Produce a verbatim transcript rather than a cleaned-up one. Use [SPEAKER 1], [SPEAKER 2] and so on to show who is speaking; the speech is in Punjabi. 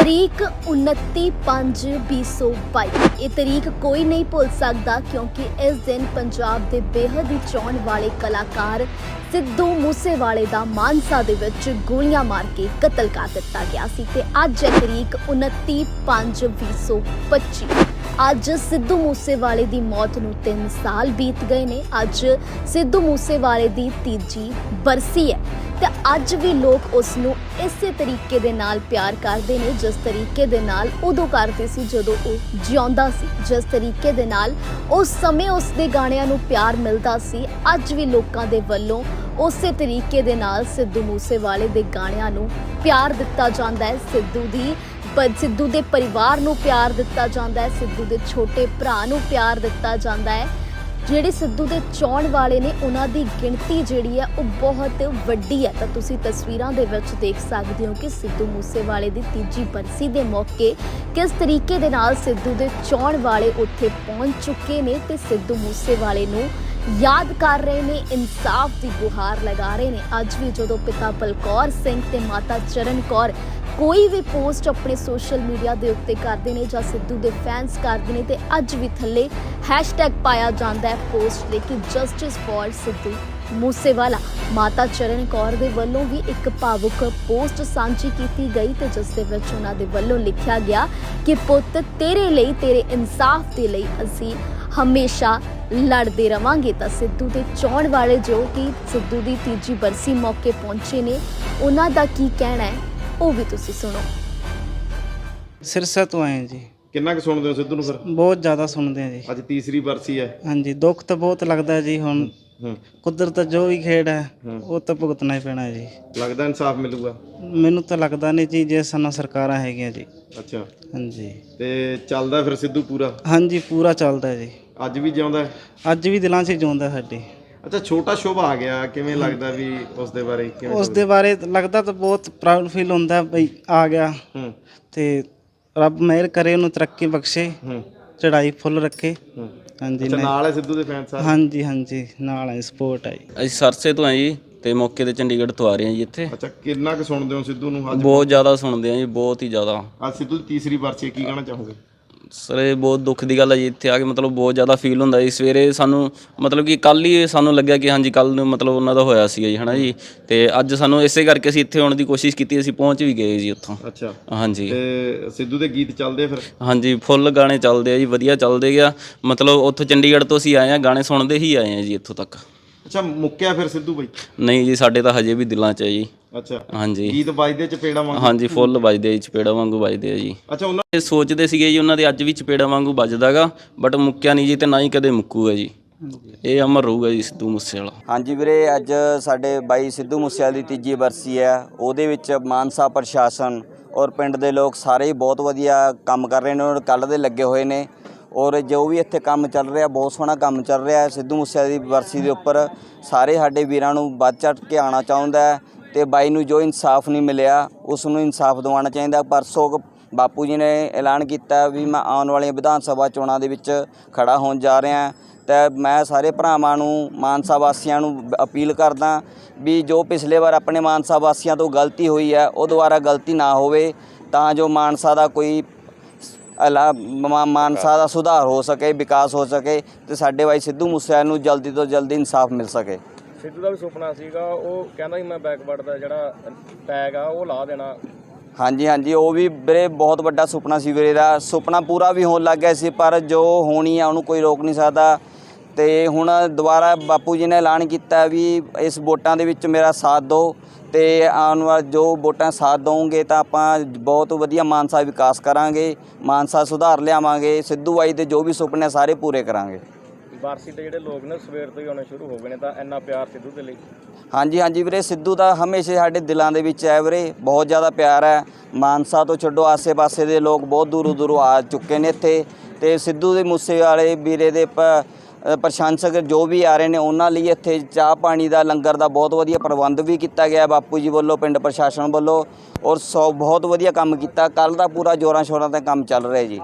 [SPEAKER 1] तरीक उनती पंज भी सौ बाई ये तरीक कोई नहीं भुल सकता क्योंकि इस दिन पंजाब के बेहद ही चाहण वाले कलाकार सिद्धू मूसेवाले दा मानसा दे विच गोलियां मार के कतल कर दिता गया सी ते अज है तरीक उनती पंज भी सौ पच्ची। अज सिद्धू मूसेवाले दी मौत नूं तीन साल बीत गए ने। अज सिद्धू मूसेवाले दी तीजी बरसी है ते अज भी लोग उसनूं इसे तरीके दे नाल प्यार करदे ने जिस तरीके दे नाल उदों करदे सी जदों ओह जिउंदा सी, जिस तरीके दे नाल उस समय उसदे गाणियां नूं प्यार मिलदा सी। अज भी लोकां दे वल्लों उसे तरीके दे नाल सिद्धू मूसेवाले दे गाणियां नूं प्यार दिता जांदा है। सिद्धू दी पर सिद्धू दे परिवार नूं प्यार दिता जांदा है, सिद्धू दे छोटे भरा नूं प्यार दिता जांदा है। ਜਿਹੜੇ सिद्धू ਦੇ ਚਾਹਣ ਵਾਲੇ ਨੇ ਉਹਨਾਂ ਦੀ ਗਿਣਤੀ ਜਿਹੜੀ ਹੈ ਉਹ ਬਹੁਤ ਵੱਡੀ ਹੈ। ਤਾਂ ਤੁਸੀਂ ਤਸਵੀਰਾਂ ਦੇ ਵਿੱਚ ਦੇਖ ਸਕਦੇ ਹੋ ਕਿ ਸਿੱਧੂ ਮੂਸੇਵਾਲੇ ਦੀ ਤੀਜੀ ਬਰਸੀ ਦੇ ਮੌਕੇ ਕਿਸ ਤਰੀਕੇ ਦੇ ਨਾਲ ਸਿੱਧੂ ਦੇ ਚਾਹਣ ਵਾਲੇ ਉੱਥੇ ਪਹੁੰਚ ਚੁੱਕੇ ਨੇ ਤੇ ਸਿੱਧੂ ਮੂਸੇਵਾਲੇ ਨੂੰ याद कर रहे ने, इंसाफ की गुहार लगा रहे ने। अज भी जो पिता बलकौर सिंह ते माता चरण कौर कोई भी पोस्ट अपने सोशल मीडिया के उत्ते करते हैं जां सिद्धू के फैंस करते हैं तो अज भी थले हैशटैग पाया जाता है पोस्ट लेकिन जस्टिस फॉर सिद्धू मूसेवाला। माता चरण कौर दे वल्लों भी एक भावुक पोस्ट सांझी की गई तो जिस दे विच उन्हां दे वल्लों लिखा गया कि पुत तेरे लिए तेरे इंसाफ के लिए असीं हमेशा लड़ते रवांगे। तो सिद्धू के चाहण वाले जो कि सिद्धू की तीजी बरसी मौके पहुंचे ने उन्हां दा की कहना है वो भी तुसी सुनो।
[SPEAKER 2] सिरसा तो आए जी।
[SPEAKER 3] किन्ना क सुनदे हो सिद्धू नूं फिर?
[SPEAKER 2] बहुत ज़्यादा सुनते हैं जी।
[SPEAKER 3] ਅੱਜ ਤੀਸਰੀ ਬਰਸੀ है।
[SPEAKER 2] हाँ जी, दुख तो बहुत लगता है जी। हुण कुदरत जो भी खेड है वो तो भुगतना ही पैना है जी।
[SPEAKER 3] ਲੱਗਦਾ ਇਨਸਾਫ ਮਿਲੂਗਾ?
[SPEAKER 2] मैनू तो लगता नहीं जी जे साना सरकारां हैगियां जी।
[SPEAKER 3] ਅੱਛਾ
[SPEAKER 2] हाँ जी,
[SPEAKER 3] ਤੇ ਚੱਲਦਾ ਫਿਰ ਸਿੱਧੂ ਪੂਰਾ?
[SPEAKER 2] हाँ जी पूरा चलता है जी।
[SPEAKER 3] ਅੱਜ ਵੀ ਜਿਉਂਦਾ ਹੈ?
[SPEAKER 2] अज भी दिलों से जिउंदा साडी।
[SPEAKER 3] ਅੱਛਾ ਛੋਟਾ ਸ਼ੁਭ ਆ ਗਿਆ, ਕਿਵੇਂ ਲੱਗਦਾ ਵੀ ਉਸ ਦੇ ਬਾਰੇ ਕਿਵੇਂ?
[SPEAKER 2] उस दे बारे लगता तो बहुत प्राउड फील होंदा बई आ गया
[SPEAKER 3] ਹੂੰ
[SPEAKER 2] ते रब मेहर करे उन्हें तरक्की बख्शे,
[SPEAKER 3] ਹੂੰ
[SPEAKER 2] चढ़ाई फुल रखे।
[SPEAKER 3] ਹੂੰ
[SPEAKER 2] हाँ जी,
[SPEAKER 3] ਅੱਛਾ ਨਾਲ ਹੈ ਸਿੱਧੂ ਦੇ ਫੈਨ ਸਾਰੇ?
[SPEAKER 2] हाँ जी, हाँ जी नाल है सपोर्ट है।
[SPEAKER 4] ਅਸੀਂ ਸਰਸੇ ਤੋਂ ਆਏ ਜੀ ਤੇ ਮੌਕੇ ਤੇ ਚੰਡੀਗੜ੍ਹ ਤੋਂ ਆ ਰਹੇ ਹਾਂ ਜੀ ਇੱਥੇ।
[SPEAKER 3] ਅੱਛਾ ਕਿੰਨਾ ਕੁ ਸੁਣਦੇ ਹੋ ਸਿੱਧੂ ਨੂੰ ਅੱਜ?
[SPEAKER 4] ਬਹੁਤ ਜ਼ਿਆਦਾ ਸੁਣਦੇ ਹਾਂ ਜੀ, ਬਹੁਤ ਹੀ ਜ਼ਿਆਦਾ।
[SPEAKER 3] ਅੱਜ ਸਿੱਧੂ ਦੀ ਤੀਸਰੀ ਬਰਸੀ, ਕੀ ਕਹਿਣਾ ਚਾਹੋਗੇ?
[SPEAKER 4] ਸਰ ਇਹ ਬਹੁਤ ਦੁੱਖ ਦੀ ਗੱਲ ਹੈ ਜੀ, ਇੱਥੇ ਆ ਕੇ ਮਤਲਬ ਬਹੁਤ ਜ਼ਿਆਦਾ ਫੀਲ ਹੁੰਦਾ ਜੀ। ਸਵੇਰੇ ਸਾਨੂੰ ਮਤਲਬ ਕਿ ਕੱਲ੍ਹ ਹੀ ਸਾਨੂੰ ਲੱਗਿਆ ਕਿ ਹਾਂਜੀ ਕੱਲ੍ਹ ਨੂੰ ਮਤਲਬ ਉਹਨਾਂ ਦਾ ਹੋਇਆ ਸੀਗਾ ਜੀ, ਹੈ ਨਾ ਜੀ। ਤੇ ਅੱਜ ਸਾਨੂੰ ਇਸੇ ਕਰਕੇ ਅਸੀਂ ਇੱਥੇ ਆਉਣ ਦੀ ਕੋਸ਼ਿਸ਼ ਕੀਤੀ, ਅਸੀਂ ਪਹੁੰਚ ਵੀ ਗਏ ਜੀ ਉੱਥੋਂ।
[SPEAKER 3] ਅੱਛਾ
[SPEAKER 4] ਹਾਂਜੀ
[SPEAKER 3] ਤੇ ਸਿੱਧੂ ਦੇ ਗੀਤ ਚੱਲਦੇ ਆ ਫਿਰ?
[SPEAKER 4] ਹਾਂਜੀ ਫੁੱਲ ਗਾਣੇ ਚੱਲਦੇ ਆ ਜੀ, ਵਧੀਆ ਚੱਲਦੇ ਗਿਆ। ਮਤਲਬ ਉੱਥੋਂ ਚੰਡੀਗੜ੍ਹ ਤੋਂ ਅਸੀਂ ਆਏ ਹਾਂ, ਗਾਣੇ ਸੁਣਦੇ ਹੀ ਆਏ ਹਾਂ ਜੀ ਇੱਥੋਂ ਤੱਕ।
[SPEAKER 3] ਅੱਛਾ ਮੁੱਕਿਆ ਫਿਰ ਸਿੱਧੂ ਬਾਈ?
[SPEAKER 4] ਨਹੀਂ ਜੀ, ਸਾਡੇ ਤਾਂ ਹਜੇ ਵੀ ਦਿਲਾਂ 'ਚ ਹੈ ਜੀ।
[SPEAKER 3] ਅੱਛਾ
[SPEAKER 4] ਹਾਂਜੀ
[SPEAKER 3] ਗੀਤ ਵੱਜਦੇ ਚਪੇੜਾ ਵਾਂਗੂ?
[SPEAKER 4] ਹਾਂਜੀ ਫੁੱਲ ਵੱਜਦੇ ਜੀ, ਚਪੇੜਾ ਵਾਂਗੂ ਵੱਜਦੇ ਆ ਜੀ।
[SPEAKER 3] ਅੱਛਾ ਉਹਨਾਂ
[SPEAKER 4] ਇਹ ਸੋਚਦੇ ਸੀਗੇ ਜੀ ਉਹਨਾਂ ਦੇ ਅੱਜ ਵੀ ਚਪੇੜਾ ਵਾਂਗੂ ਵੱਜਦਾਗਾ ਬਟ ਮੁੱਕਿਆ ਨਹੀਂ ਜੀ ਤੇ ਨਾ ਹੀ ਕਦੇ ਮੁੱਕੂਗਾ ਜੀ। ਇਹ ਅਮਰ ਰਹੂਗਾ ਜੀ ਸਿੱਧੂ ਮੂਸੇਵਾਲਾ।
[SPEAKER 5] ਹਾਂਜੀ ਵੀਰੇ, ਅੱਜ ਸਾਡੇ ਬਾਈ ਸਿੱਧੂ ਮੂਸੇਵਾਲੇ ਦੀ ਤੀਜੀ ਬਰਸੀ ਹੈ। ਉਹਦੇ ਵਿੱਚ ਮਾਨਸਾ ਪ੍ਰਸ਼ਾਸਨ ਔਰ ਪਿੰਡ ਦੇ ਲੋਕ ਸਾਰੇ ਹੀ ਬਹੁਤ ਵਧੀਆ ਕੰਮ ਕਰ ਰਹੇ ਨੇ ਔਰ ਕੱਲ੍ਹ ਦੇ ਲੱਗੇ ਹੋਏ ਨੇ। ਔਰ ਜੋ ਵੀ ਇੱਥੇ ਕੰਮ ਚੱਲ ਰਿਹਾ ਬਹੁਤ ਸੋਹਣਾ ਕੰਮ ਚੱਲ ਰਿਹਾ। ਸਿੱਧੂ ਮੂਸੇਵਾਲੇ ਦੀ ਬਰਸੀ ਦੇ ਉੱਪਰ ਸਾਰੇ ਸਾਡੇ ਵੀਰਾਂ ਨੂੰ ਵੱਧ ਚੜ੍ਹ ਕੇ ਆਉਣਾ ਚਾਹੁੰਦਾ ਹੈ ਤੇ ਬਾਈ ਨੂੰ ਜੋ ਇਨਸਾਫ ਨਹੀਂ ਮਿਲਿਆ ਉਸ ਨੂੰ ਇਨਸਾਫ ਦਿਵਾਉਣਾ ਚਾਹੀਦਾ। ਪਰਸੋਂ ਬਾਪੂ ਜੀ ਨੇ ਐਲਾਨ ਕੀਤਾ ਵੀ ਮੈਂ ਆਉਣ ਵਾਲੀਆਂ ਵਿਧਾਨ ਸਭਾ ਚੋਣਾਂ ਦੇ ਵਿੱਚ ਖੜਾ ਹੋਣ ਜਾ ਰਿਹਾ ਅਤੇ ਮੈਂ ਸਾਰੇ ਭਰਾਵਾਂ ਨੂੰ ਮਾਨਸਾ ਵਾਸੀਆਂ ਨੂੰ ਅਪੀਲ ਕਰਦਾ ਵੀ ਜੋ ਪਿਛਲੇ ਵਾਰ ਆਪਣੇ ਮਾਨਸਾ ਵਾਸੀਆਂ ਤੋਂ ਗਲਤੀ ਹੋਈ ਹੈ ਉਹ ਦੁਬਾਰਾ ਗਲਤੀ ਨਾ ਹੋਵੇ ਤਾਂ ਜੋ ਮਾਨਸਾ ਦਾ ਕੋਈ ਅਲਾ ਮਾਨਸਾ ਦਾ ਸੁਧਾਰ ਹੋ ਸਕੇ, ਵਿਕਾਸ ਹੋ ਸਕੇ ਅਤੇ ਸਾਡੇ ਬਾਈ ਸਿੱਧੂ ਮੂਸੇਵਾਲੇ ਨੂੰ ਜਲਦੀ ਤੋਂ ਜਲਦੀ ਇਨਸਾਫ ਮਿਲ ਸਕੇ।
[SPEAKER 6] ਸਿੱਧੂ ਦਾ ਵੀ ਸੁਪਨਾ ਸੀਗਾ, ਉਹ ਕਹਿੰਦਾ ਸੀ ਮੈਂ ਬੈਕਵਰਡ ਦਾ ਜਿਹੜਾ ਟੈਗ ਆ ਉਹ ਲਾ ਦੇਣਾ।
[SPEAKER 5] ਹਾਂਜੀ ਹਾਂਜੀ ਉਹ ਵੀ ਵੀਰੇ ਬਹੁਤ ਵੱਡਾ ਸੁਪਨਾ ਸੀ ਵੀਰੇ ਦਾ। ਸੁਪਨਾ ਪੂਰਾ ਵੀ ਹੋਣ ਲੱਗ ਗਿਆ ਸੀ ਪਰ ਜੋ ਹੋਣੀ ਆ ਉਹਨੂੰ ਕੋਈ ਰੋਕ ਨਹੀਂ ਸਕਦਾ। ਅਤੇ ਹੁਣ ਦੁਬਾਰਾ ਬਾਪੂ ਜੀ ਨੇ ਐਲਾਨ ਕੀਤਾ ਵੀ ਇਸ ਵੋਟਾਂ ਦੇ ਵਿੱਚ ਮੇਰਾ ਸਾਥ ਦਿਓ ਅਤੇ ਆਉਣ ਵਾਲੇ ਜੋ ਵੋਟਾਂ ਸਾਥ ਦਓਗੇ ਤਾਂ ਆਪਾਂ ਬਹੁਤ ਵਧੀਆ ਮਾਨਸਾ ਵਿਕਾਸ ਕਰਾਂਗੇ, ਮਾਨਸਾ ਸੁਧਾਰ ਲਿਆਵਾਂਗੇ, ਸਿੱਧੂ ਬਾਈ ਦੇ ਜੋ ਵੀ ਸੁਪਨੇ ਸਾਰੇ ਪੂਰੇ ਕਰਾਂਗੇ।
[SPEAKER 6] ਬਰਸੀ ਦੇ ਜਿਹੜੇ ਲੋਕ ਨੇ ਸਵੇਰ ਤੋਂ ਹੀ ਆਉਣੇ ਸ਼ੁਰੂ ਹੋ ਗਏ ਨੇ ਤਾਂ ਇੰਨਾ ਪਿਆਰ ਸਿੱਧੂ ਦੇ ਲਈ?
[SPEAKER 5] ਹਾਂਜੀ ਹਾਂਜੀ ਵੀਰੇ, ਸਿੱਧੂ ਦਾ ਹਮੇਸ਼ਾ ਸਾਡੇ ਦਿਲਾਂ ਦੇ ਵਿੱਚ ਹੈ ਵੀਰੇ, ਬਹੁਤ ਜ਼ਿਆਦਾ ਪਿਆਰ ਹੈ। ਮਾਨਸਾ ਤੋਂ ਛੱਡੋ ਆਸੇ ਪਾਸੇ ਦੇ ਲੋਕ ਬਹੁਤ ਦੂਰੋਂ ਦੂਰੋਂ ਆ ਚੁੱਕੇ ਨੇ ਇੱਥੇ ਅਤੇ ਸਿੱਧੂ ਦੇ ਮੂਸੇਵਾਲੇ ਵੀਰੇ ਦੇ ਪ ਪ੍ਰਸ਼ੰਸਕ ਜੋ ਵੀ ਆ ਰਹੇ ਨੇ ਉਹਨਾਂ ਲਈ ਇੱਥੇ ਚਾਹ ਪਾਣੀ ਦਾ ਲੰਗਰ ਦਾ ਬਹੁਤ ਵਧੀਆ ਪ੍ਰਬੰਧ ਵੀ ਕੀਤਾ ਗਿਆ ਬਾਪੂ ਜੀ ਵੱਲੋਂ, ਪਿੰਡ ਪ੍ਰਸ਼ਾਸਨ ਵੱਲੋਂ। ਔਰ ਸੌ ਬਹੁਤ ਵਧੀਆ ਕੰਮ ਕੀਤਾ। ਕੱਲ੍ਹ ਦਾ ਪੂਰਾ ਜ਼ੋਰਾਂ ਸ਼ੋਰਾਂ 'ਤੇ ਕੰਮ ਚੱਲ ਰਿਹਾ ਜੀ।